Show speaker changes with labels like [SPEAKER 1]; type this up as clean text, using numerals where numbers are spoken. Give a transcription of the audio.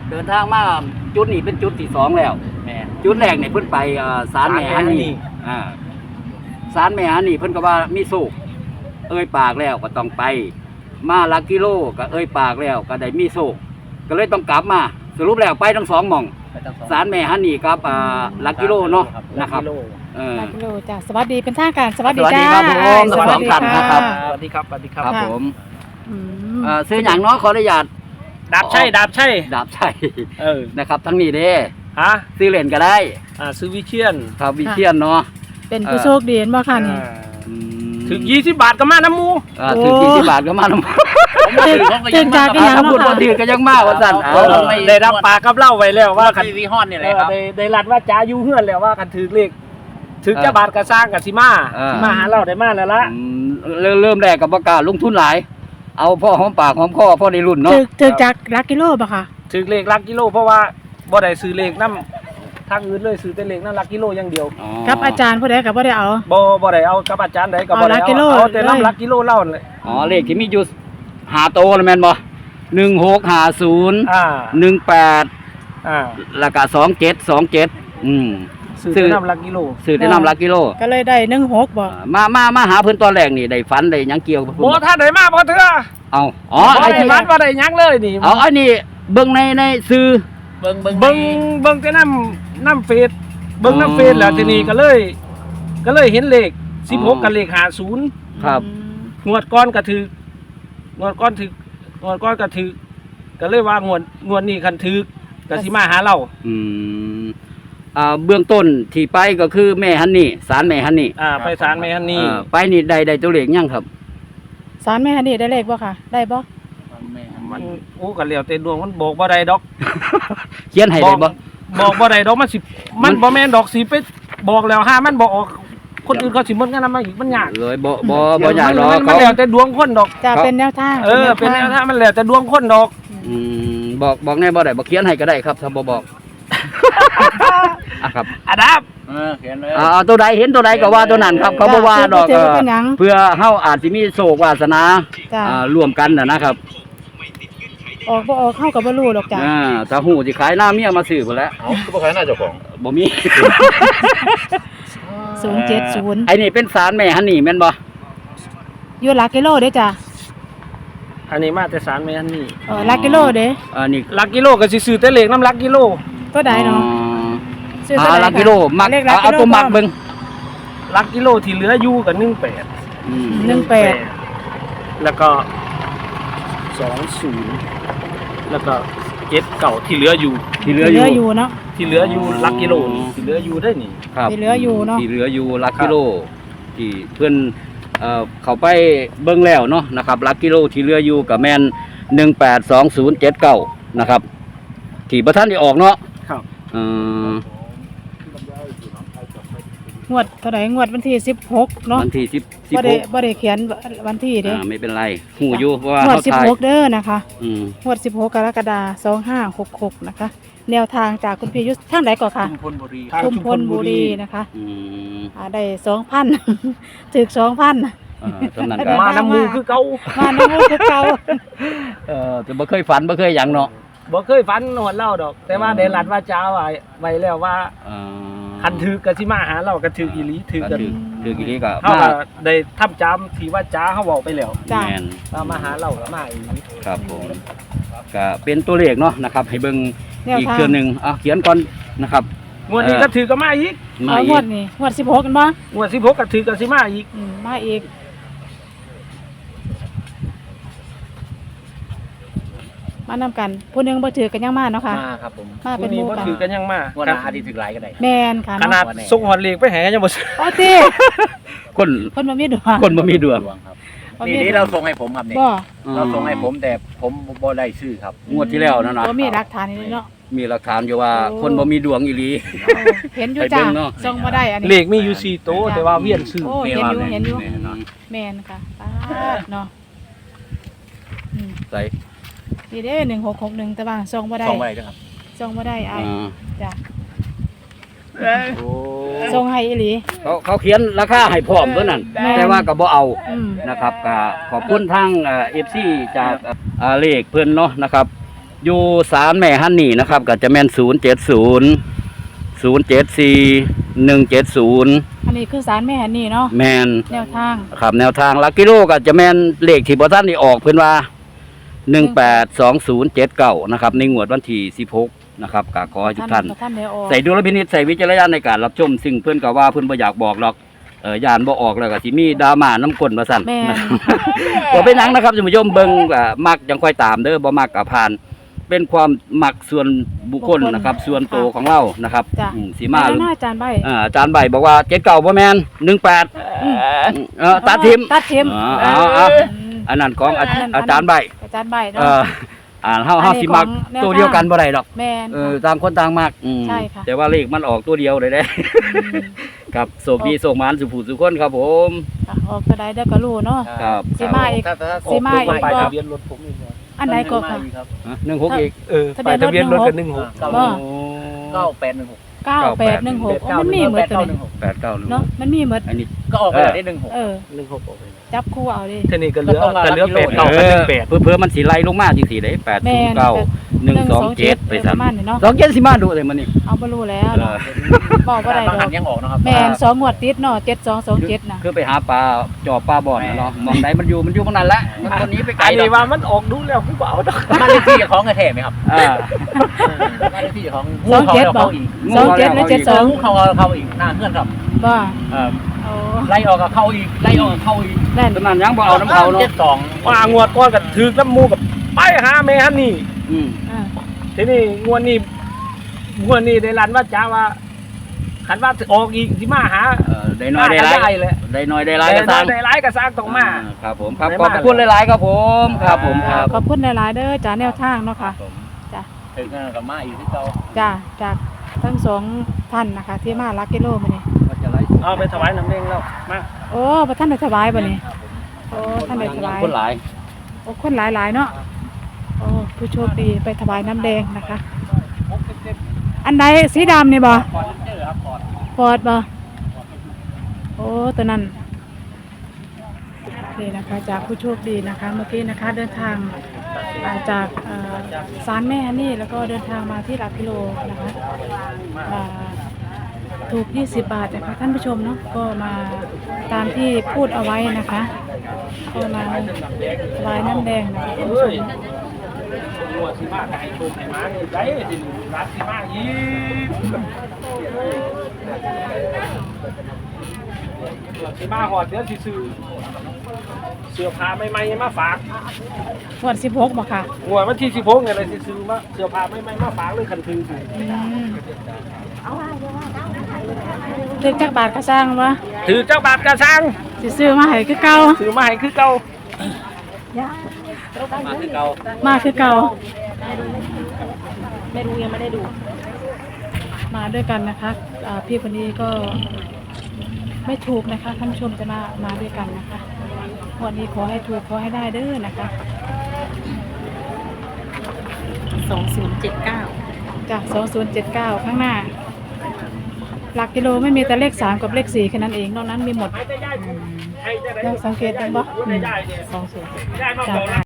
[SPEAKER 1] เดินทางมาจุดนี้เป็นจุดที่2แล้วจุดแรกเนี่ยเพิ่นไปศาลแม่ฮันนี่ศาลแม่ฮันนี่เพิ่นก็ว่ามีโศกเอ้ยปากแล้วก็ต้องไปมาลักกิโลก็เอ้ยปากแล้วก็ได้มีโศกก็เลยต้องกลับมาสรุปแล้วไปทั้ง2หม่องศาลแม่ฮันนี่กับลักกิโลเนาะนะครับ
[SPEAKER 2] ลักกิโลจ้ะสวัสดีเป็นทางการสวัสดีจ้า
[SPEAKER 1] สวัสดีครับครับ
[SPEAKER 3] สวัสดีครับสวัสดีครับ
[SPEAKER 1] ครับผมซื้ออย่างเนาะขออนุญาต
[SPEAKER 3] ดาบชัย
[SPEAKER 1] นะครับทั้งนี้เด้
[SPEAKER 3] ฮะ
[SPEAKER 1] ซื้อเล่นก็ได้
[SPEAKER 3] ซื้อวิเชียน
[SPEAKER 1] ครับวิเชียนเนาะ
[SPEAKER 2] เป็นผู้โชคดีบ่ค่ะนี่
[SPEAKER 3] ถึง20 บาทก็มาน้ำมู
[SPEAKER 1] ถึง20 บาทก็มาน้ำมู
[SPEAKER 2] ถึงจากกันยัง
[SPEAKER 1] พูดว่าถือก็ยังมากว่าสั่น
[SPEAKER 3] ได้รับปากกับเล่าไว้แล้วว่า
[SPEAKER 4] คันวีฮอนนี่แหละครับ
[SPEAKER 3] ได้รัดว่าจ้าอยู่เฮือนแล้วว่ากันถือเลขถือจะบาทก็สร้างกับสิมาหาเราได้มาแล้วละ
[SPEAKER 1] เริ่มแรกกับประกาศลงทุนหลายเอาพ่อหอมปากหอมคอพ่อในรุ่นเนาะ
[SPEAKER 2] ถึงจากลักกิโลป่ะคะ
[SPEAKER 3] ถือเลขลักกิโลเพราะว่าบ่ได้ซื้อเลขน้ำทางอื่นเลยซื้อแต่เลขน้ำลักกิโลอย่างเดียว
[SPEAKER 2] กับอาจารย์ผู้ใดกับบ่ได้เอา
[SPEAKER 3] บ่ได้เอากับอาจารย์ใดกับบ่ได้เอาแต่น้ำลักกิโลเล่าเลย
[SPEAKER 1] เลขที่มีอยู่5โตแล้วแม่นบ่1650 18แล้วก็27
[SPEAKER 3] ซื้อน้ำลักกิโล
[SPEAKER 1] ซื้อได้น้ำลักกิโล
[SPEAKER 2] ก็เลยได้16บ่
[SPEAKER 1] มาหาเพิ่นตอนแรกนี่ได้ฝันได้หยังเกี่ยวกับ
[SPEAKER 3] บ่ถ้าได้มาบ่เถื่อ
[SPEAKER 1] ไอ้ที่
[SPEAKER 3] ฝันบ่ได้หยังเลยนี่
[SPEAKER 1] อันนี้เบิ่งในซื้อ
[SPEAKER 3] เบิ่งแต่น้ำเฟซเบิ่งน้ำเฟซแล้วทีนี้ก็เลยเห็นเลข16กับเลข50
[SPEAKER 1] ครับ
[SPEAKER 3] งวดก้อนก็ถืองวดก้อนก็ถือก็เลยว่างวดนี้คันถือก็สิมาหาเรา
[SPEAKER 1] เบื้องต้นที่ไปก็คือแม่ฮันนี่ศาลแม่ฮันนี่
[SPEAKER 3] ไปศาลแม่ฮันนี่
[SPEAKER 1] ไปนี่ได้ตัวเลขยังครับ
[SPEAKER 2] ศาลแม่ฮันนี่ได้เลขบ่ค่ะได้บ่
[SPEAKER 3] มันก็แล้วแต่ดวงมันบอกบ่ได้ดอก
[SPEAKER 1] เขียนให้ได้บ่
[SPEAKER 3] บอกบ่ได้ดอกมันบ่แม่นดอกสิไปบอกแล้วห้ามันบ่ออกคนอื่นเขาสิหมดกันมาอีกมันยาก
[SPEAKER 1] เลยบ่ยากดอก
[SPEAKER 3] มันแล้วแต่ดวงคนดอก
[SPEAKER 2] จะเป็นแนวทาง
[SPEAKER 3] เป็นแนวทางมันแล้วแต่ดวงคนดอก
[SPEAKER 1] บอกแน่บ่ได้บ่เขียนให้ก็ได้ครับถ้าบ่บอก
[SPEAKER 3] ครับดับ
[SPEAKER 4] เขียนเลย
[SPEAKER 1] ตัวใดเห็นตัวใดก็ว่าตัวนั้นครับเขาบ่ว่าดอกเพื่อเฮาอาจสิมีโชควาสนารวมกันนะครับ
[SPEAKER 2] ออกบ่ออกเข้ากับบ่รู้ดอกจ้ะ
[SPEAKER 1] ถ้าฮู้สิขายหน้าเมียมาซื้อพุ่นแหละ
[SPEAKER 4] ก็บ่ขายหน้าเจ้าของ
[SPEAKER 1] บ่มี
[SPEAKER 2] 070
[SPEAKER 1] ไอ้นี่เป็นศาลแม่ฮันนี่แม่นบ่
[SPEAKER 2] อยู่ลักกิโลเด้จ้ะ
[SPEAKER 3] อันนี้มาแต่ศาลแม่ฮันนี่
[SPEAKER 2] ลักกิโลเด้
[SPEAKER 3] นี่ลักกิโลก็สิซื้อแต่เลขน้ำลักกิโล
[SPEAKER 2] ตัวใดเนาะ
[SPEAKER 1] ซื้อลักกิโลมักเอาตัวมักเบิ่ง
[SPEAKER 3] ลักกิโลที่เหลืออยู่ก็18แล้วก็20แล้วก็79ที่เหลืออยู่
[SPEAKER 2] เนาะ
[SPEAKER 3] ที่เหลืออยู่ลักกิโลที่เหลืออยู่ได้นี่
[SPEAKER 1] ครับ
[SPEAKER 2] ที่เหลืออยู่เนาะ
[SPEAKER 1] ที่เหลืออยู่ลักกิโลที่เพิ่นเข้าไปเบิ่งแล้วเนาะนะครับลักกิโลที่เหลืออยู่ก็แม่น182079นะครับที่บ่ทันได้ออกเนาะ
[SPEAKER 3] ครับ
[SPEAKER 2] งวดเท่าไหร่งวดวันที่16เนาะ
[SPEAKER 1] วันที่16
[SPEAKER 2] บ่ได้เขียนวันที่เด้
[SPEAKER 1] ไม่เป็นไรฮู้อยู่เพราะว่า
[SPEAKER 2] งวด16เด้อนะคะงวด16กรกฎาคม2566นะคะแนวทางจากคุณพี่ยุทธทางไหนก่อนค่ะ
[SPEAKER 3] ชุมพล
[SPEAKER 2] บุรีนะคะได้ 2,000 ถึก 2,000
[SPEAKER 3] มาน้ำมูคือเก่า
[SPEAKER 1] แต่บ่เคยฝันบ่เคยหยังเนาะ
[SPEAKER 3] บ่เคยฝันหวดเล่าดอกแต่ว่าได้รัดว่าจ้าไว้แล้วว่าคันถือก็สิมาหาเราก็ถืออีหลีถือกัน
[SPEAKER 1] ถืออีหลีก็
[SPEAKER 3] เฮาได้ทำจำที่ว่าจ้าเฮาเว้าไปแล้ว
[SPEAKER 1] แม่น
[SPEAKER 3] มาหาเราก็มาอีหลี
[SPEAKER 1] ครับผมก็เป็นตัวเลขเนาะนะครับให้เบิ่งอีกเทื่อนึงเขียนก่อนนะครับ
[SPEAKER 3] งวดนี้ก็ถือก็มาอีก
[SPEAKER 2] งวดนี้งวด16กันบ่
[SPEAKER 3] งวด16ก็ถือก็สิมาอีก
[SPEAKER 2] มาอีกมานำกันผู้นึงบ่ถือกันยังมาเนาะค่ะ
[SPEAKER 4] มาครับผม
[SPEAKER 3] มาเป็นหมู่กันถือกันยังมา
[SPEAKER 4] วันอาทิตย์ถือหลายก็ได้
[SPEAKER 2] แม่นค่ะ
[SPEAKER 3] ขนาดส่งหอดเลขไปแห่ยังบ่ซื้อ
[SPEAKER 2] ติ
[SPEAKER 1] คน
[SPEAKER 2] บ่มีดวง
[SPEAKER 4] ครับนี่เราส่งให้ผมครับนี่เราส่งให้ผมแต่ผมบ่ได้ซื้อครับ
[SPEAKER 1] งวดที่แล้วนั่นน่ะ
[SPEAKER 2] บ่มีหลักฐานนี่เนาะ
[SPEAKER 1] มีหลักฐานอยู่ว่าคนบ่มีดวงอีหลี
[SPEAKER 2] เห็นอยู่จ้ะส่งบ่ได้อันนี้
[SPEAKER 3] เลขมีอยู่4โตแต่ว่าเวียนซื้อ
[SPEAKER 2] เห็นอยู่แม่นค่ะเนาะ
[SPEAKER 1] ใส่
[SPEAKER 2] นี่เด้1661แต่ว่าส่งบ่ได้
[SPEAKER 4] ครับ
[SPEAKER 2] ส่งบ่ได้อ้ายจ้ะส่งให้อีหลี
[SPEAKER 1] เขาเขียนราคาให้พร้อมตัวนั้นแต่ว่าก็บ่เอานะครับก็ขอบคุณทางFC จากเลขเพิ่นเนาะนะครับอยู่ศาลแม่ฮันนี่นะครับก็จะแม่น070 174 170
[SPEAKER 2] อันนี้คือสารแม่ฮันนี่เนาะ
[SPEAKER 1] แมน
[SPEAKER 2] แนวทาง
[SPEAKER 1] ครับแนวทางหลักกิโลก็จะแม่นเลขที่บ่ทันได้ออกเพิ่นว่า182079นะครับในงวดวันที่16นะครับก็ขอให้ทุกท่าน
[SPEAKER 2] ท่านได้ออก
[SPEAKER 1] ใส่ดุลพินิจใส่วิจารณญาณในการรับชมซึ่งเพิ่นก็ว่าเพิ่นบ่อยากบอกหรอกยานบ่ออกแล้วก็สิมีดราม่าน้ำก้นว่าซั่น
[SPEAKER 2] แม่น
[SPEAKER 1] บ่เป็นหยังนะครับท่านผู้ชมเบิ่งมักจังค่อยตามเด้อบ่มักก็ผ่าน เป็นความมักส่วนบุคคลนะครับ ส่วนตัวของเรานะครับ
[SPEAKER 2] จ้ะ
[SPEAKER 1] สิมาหรือ
[SPEAKER 2] หน้าอาจารย์ใบ
[SPEAKER 1] อาจารย์ใบบอกว่า79บ่แม่น18ตัดทิม
[SPEAKER 2] ตัดทิม
[SPEAKER 1] เอาอันนั้นของอาจารย์ใบ
[SPEAKER 2] อาจารย์ใบ
[SPEAKER 1] เอ
[SPEAKER 2] เนาะ
[SPEAKER 1] เฮาสิมัก
[SPEAKER 2] อันนี้ของแนว
[SPEAKER 1] ตัวเดียวกันบ่ได้ดอก
[SPEAKER 2] แม่น
[SPEAKER 1] ต่างคนต่างมัก
[SPEAKER 2] ใช่ค่ะ
[SPEAKER 1] แต่ว่าเลขมันออกตัวเดียวเลยเด้ ครับโชคดีโชคหมานสุผู้สุคนครับผม
[SPEAKER 2] ค่ะออกก็ได้ก็รู้เนาะ
[SPEAKER 1] ครับ
[SPEAKER 2] สิมาอีก สิมาอีก
[SPEAKER 3] ป้าย
[SPEAKER 2] บ่
[SPEAKER 3] ทะเบียนรถผมอีกบ่
[SPEAKER 2] อันไหนก็ค่ะ
[SPEAKER 1] 16อีก
[SPEAKER 3] ป้ายทะเบียนรถกัน16
[SPEAKER 2] บ่
[SPEAKER 4] 9816
[SPEAKER 2] 9816มันมีเหมือนตัวนี้
[SPEAKER 1] 891
[SPEAKER 2] เนาะมันมีเหมือน
[SPEAKER 1] อันนี้
[SPEAKER 4] ก็ออกไปได้16
[SPEAKER 2] เออ
[SPEAKER 3] 16ออกไป
[SPEAKER 2] จับคู่เอาดิ
[SPEAKER 3] ทีนี้ก็เหลือ8 9 8
[SPEAKER 1] เพื่อมันสิไล่ลงมาจังซี่เด้8
[SPEAKER 2] แม่น
[SPEAKER 1] 0 9 1 2 7ไปซั่น
[SPEAKER 2] ประมาณนี้เนาะ
[SPEAKER 1] 27สิมาดูเลยมันนี่
[SPEAKER 2] เอาบ่รู้แล้วเนาะบอกบ่ได้
[SPEAKER 4] บาง
[SPEAKER 2] ด
[SPEAKER 4] หั
[SPEAKER 2] อน ก
[SPEAKER 4] ยังออกนะครับ
[SPEAKER 2] แม่น2งวดติดเนาะ7227น่ะ
[SPEAKER 1] คือไปหาปลาจอบปลาบ่อนน่ะเนาะมองใดมันอยู่ตรงนั้นแหละมันคนนี้ไปไกล
[SPEAKER 3] อัน
[SPEAKER 1] ดอ
[SPEAKER 3] นี้
[SPEAKER 1] ก
[SPEAKER 3] ว่ามันออกดูแล้วกูบ่เอาดอก
[SPEAKER 4] บ้านเลขที่ของกระแทกไหมครับ
[SPEAKER 1] อ่า
[SPEAKER 4] บ้านเลขที่ของ
[SPEAKER 2] 27บ่
[SPEAKER 4] อีก
[SPEAKER 2] 27และ
[SPEAKER 4] งูเข้าอีกหน้าเพื่อนครับ
[SPEAKER 2] 72บ่ โอ้
[SPEAKER 4] ไล่ออกกับเข้าอีกไล่ออกกับเข้าอีก
[SPEAKER 2] นั่น
[SPEAKER 1] ตอนนั้นยังบ่เอาน้ำเขาเนาะ
[SPEAKER 4] 72
[SPEAKER 3] ว่างวดก่อนก็ถือน้ำมูกับไปหาแม่ฮันนี่
[SPEAKER 1] อืม
[SPEAKER 2] อ่า
[SPEAKER 3] ทีนี้งวดนี้ได้รันว่าจ้าว่าขันว่าออกอีกสิมาหา
[SPEAKER 1] ได้น้อยได้หลาย
[SPEAKER 3] เลย
[SPEAKER 1] ได้น้อยได้หลายก็สร้าง
[SPEAKER 3] ได้หลายก็สร้างต้องมา
[SPEAKER 1] ครับผมครับ
[SPEAKER 3] ได้
[SPEAKER 1] ข
[SPEAKER 3] มา
[SPEAKER 1] อบคุณหลายๆครับผมครับผมครับ
[SPEAKER 2] ขอบคุณหลายๆเด้อจ้าแนวทางเนาะค่ะ จ้ะ
[SPEAKER 4] ถึงกับมาอีกที่เก่า
[SPEAKER 2] จ้าจากทั้งสองท่านนะคะ ที่มาลักกิโลมานี่
[SPEAKER 3] เอาไปถวายน้ำเองแล้วมา
[SPEAKER 2] โอ้พระท่านได้ถวายบ่นี่โอ้ท่านได้ถวาย
[SPEAKER 1] คนหลาย
[SPEAKER 2] โอ้คนหลายๆเนาะโอ้ผู้โชคดีไปถวายน้ำแดงนะคะ อันใดสีดำนี่บ่ฟอร์ดบ่โอ้ตัวนั้นนี่นะคะจากผู้โชคดีนะคะ เมื่อกี้นะคะ เดินทางจากศาลแม่ฮันนี่แล้วก็เดินทางมาที่หลักกิโลนะคะถูก20 บาทนะคะท่านผู้ชมเนาะก็มาตามที่พูดเอาไว้นะคะก็มาถวายน้ำแดงนะคะท่านผู้ชม
[SPEAKER 3] งวดสิมาให้โชคให้มานี่ได้สิรักสิมาอีกสิมาหอดเดี๋ยวสิซื้อเสื้อผ้าใหม่ๆมาฝาก
[SPEAKER 2] งวด16บ่ค่ะ
[SPEAKER 3] งวดวันที่16เนี่ยเลยสิซื้อมาเสื้อผ้าใหม่ๆมาฝากเลยคันถือสิ
[SPEAKER 2] ถึกจักบาทก็สร้างวะ
[SPEAKER 3] ถือเจ้าบาทกระชัง
[SPEAKER 2] สิซื้อมาให้คือเก่า
[SPEAKER 3] ซื้อมาให้คือเก่า
[SPEAKER 1] มาคือเก่า
[SPEAKER 2] มาคือเก่า
[SPEAKER 3] ไม่รู้ยังไม่ได้ดู
[SPEAKER 2] มาด้วยกันนะคะพี่คนนี้ก็ไม่ถูกนะคะท่านผู้ชมจะมาด้วยกันนะคะวันนี้ขอให้ถูกขอให้ได้เด้อนะคะ
[SPEAKER 5] 2079
[SPEAKER 2] จาก2079 ข้างหน้า หลักกิโลไม่มีแต่เลข3กับเลข4แค่นั้นเองนอกนั้นมีหมด
[SPEAKER 3] ให้ได้
[SPEAKER 2] ลองสังเกตดูบ่
[SPEAKER 3] ได้เนี่ย
[SPEAKER 5] 20
[SPEAKER 3] ได้มาบอก